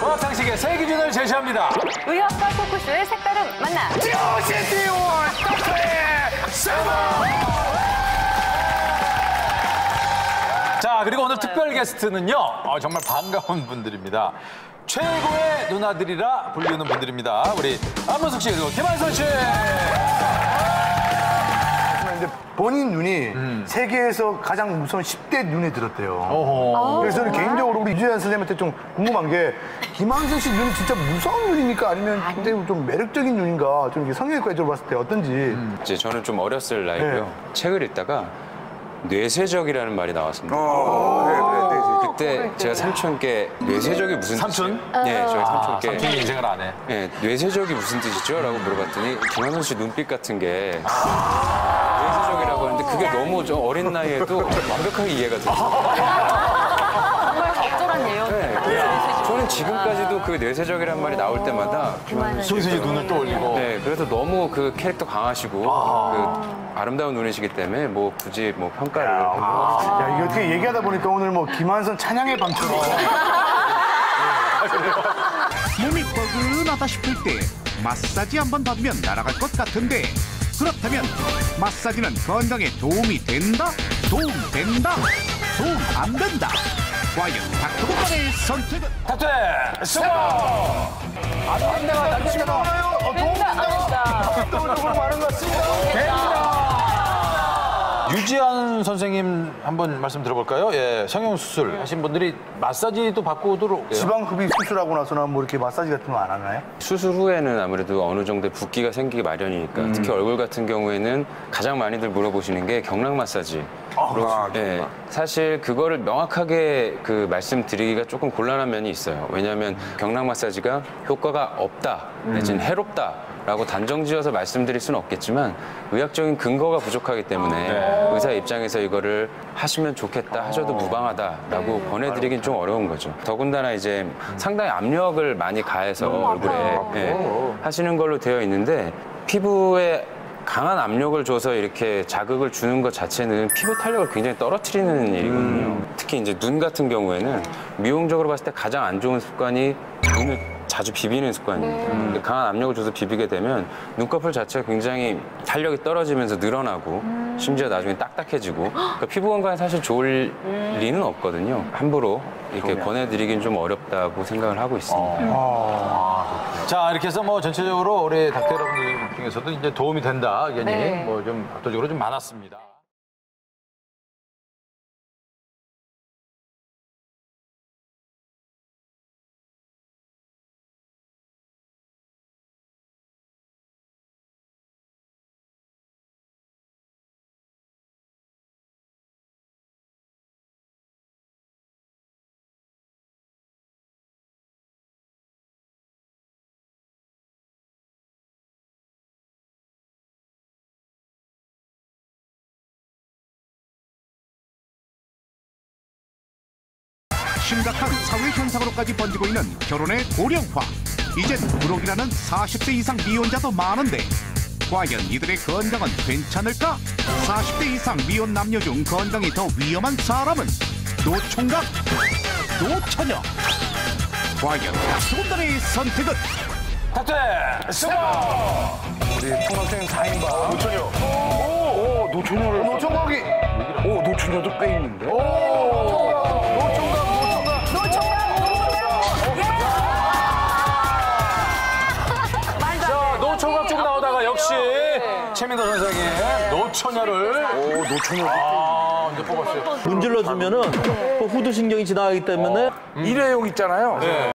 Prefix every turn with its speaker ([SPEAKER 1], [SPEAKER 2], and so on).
[SPEAKER 1] 과학상식의 세 기준을 제시합니다.
[SPEAKER 2] 의학과 토크쇼의 색다른 만남.
[SPEAKER 1] 듀시티원 토크의 세븐! 자, 그리고 오늘 특별 게스트는요. 정말 반가운 분들입니다. 최고의 누나들이라 불리는 분들입니다. 우리 안문숙 씨 그리고 김한선 씨.
[SPEAKER 3] 근데 본인 눈이 세계에서 가장 무서운 10대 눈에 들었대요. 그래서 저는 개인적으로 우리 유재한 선생님한테 좀 궁금한 게 김한선 씨 눈이 진짜 무서운 눈입니까? 아니면 굉장히 좀 매력적인 눈인가? 좀 성형외과적으로 봤을 때 어떤지.
[SPEAKER 4] 이제 저는 좀 어렸을 나이고요.
[SPEAKER 3] 네.
[SPEAKER 4] 책을 읽다가 뇌세적이라는 말이 나왔습니다.
[SPEAKER 3] 그래.
[SPEAKER 4] 그때 제가 삼촌께 뇌세적이 무슨
[SPEAKER 1] 삼촌?
[SPEAKER 4] 뜻이에요? 네, 저희 삼촌께
[SPEAKER 1] 삼촌이 인생을 안 해.
[SPEAKER 4] 네, 뇌세적이 무슨 뜻이죠? 라고 물어봤더니 김한선 씨 눈빛 같은 게 뇌세적이라고 하는데 그게 너무 저 어린 나이에도 완벽하게 이해가 돼요.
[SPEAKER 2] 정말 적절한 예요.
[SPEAKER 4] 저는 지금까지도 그 뇌세적이라는 말이 나올 때마다
[SPEAKER 1] 손수 씨 눈을 떠올리고.
[SPEAKER 4] 네, 그래서 너무 그 캐릭터 강하시고 그 아름다운 눈이시기 때문에 뭐 굳이 뭐 평가를
[SPEAKER 3] 야, 이게 어떻게 얘기하다 보니까 오늘 뭐 김한선 찬양의 밤처럼.
[SPEAKER 5] 몸이 뻐근하다 싶을 때 마사지 한번 받으면 날아갈 것 같은데 그렇다면 마사지는 건강에 도움이 된다? 도움된다? 도움 안 된다? 과연 닥터건강의 선택은?
[SPEAKER 1] 탑재 수고!
[SPEAKER 3] 안내가 날씨가 나와요. 압도적으로 많은 것 같습니다.
[SPEAKER 1] 유지한 선생님 한번 말씀 들어볼까요? 예, 성형수술 하신 분들이 마사지도 받고 들어오게요.
[SPEAKER 3] 지방흡입 수술하고 나서는 뭐 이렇게 마사지 같은 거 안 하나요?
[SPEAKER 4] 수술 후에는 아무래도 어느 정도의 붓기가 생기기 마련이니까 특히 얼굴 같은 경우에는 가장 많이들 물어보시는 게 경락 마사지. 네, 사실 그거를 명확하게 그 말씀드리기가 조금 곤란한 면이 있어요. 왜냐하면 경락 마사지가 효과가 없다, 내지는 해롭다라고 단정지어서 말씀드릴 수는 없겠지만 의학적인 근거가 부족하기 때문에 의사 입장에서 이거를 하시면 좋겠다, 하셔도 무방하다라고 권해드리긴 좀 어려운 거죠. 더군다나 이제 상당히 압력을 많이 가해서 얼굴에 하시는 걸로 되어 있는데 피부에 강한 압력을 줘서 이렇게 자극을 주는 것 자체는 피부 탄력을 굉장히 떨어뜨리는 일이거든요. 특히 이제 눈 같은 경우에는 미용적으로 봤을 때 가장 안 좋은 습관이 눈을 자주 비비는 습관입니다. 강한 압력을 줘서 비비게 되면 눈꺼풀 자체가 굉장히 탄력이 떨어지면서 늘어나고 심지어 나중에 딱딱해지고 그러니까 피부 건강에 사실 좋을 리는 없거든요. 함부로 이렇게 권해드리긴 좀 어렵다고 생각을 하고 있습니다.
[SPEAKER 1] 자, 이렇게 해서 뭐 전체적으로 우리 닥터 여러분들 중에서도 이제 도움이 된다 의견이 뭐 좀 압도적으로 좀 많았습니다.
[SPEAKER 5] 심각한 사회 현상으로까지 번지고 있는 결혼의 고령화. 이젠 부록이라는 40대 이상 미혼자도 많은데 과연 이들의 건강은 괜찮을까? 40대 이상 미혼 남녀 중 건강이 더 위험한 사람은 노총각, 노처녀. 과연 닥터건강의 선택은?
[SPEAKER 1] 탑재 수고!
[SPEAKER 3] 우리 총각생님 4인방. 노처녀. 오, 노처녀를. 노총각이. 오, 노처녀도 꽤 있는데. 노총각.
[SPEAKER 1] 자, 노총각 쪽 나오다가 역시 최민도 선생의 노처녀를.
[SPEAKER 3] 오, 노처녀.
[SPEAKER 1] 이제 뽑았어요.
[SPEAKER 6] 문질러 주면은 후두신경이 지나가기 때문에
[SPEAKER 3] 일회용 있잖아요.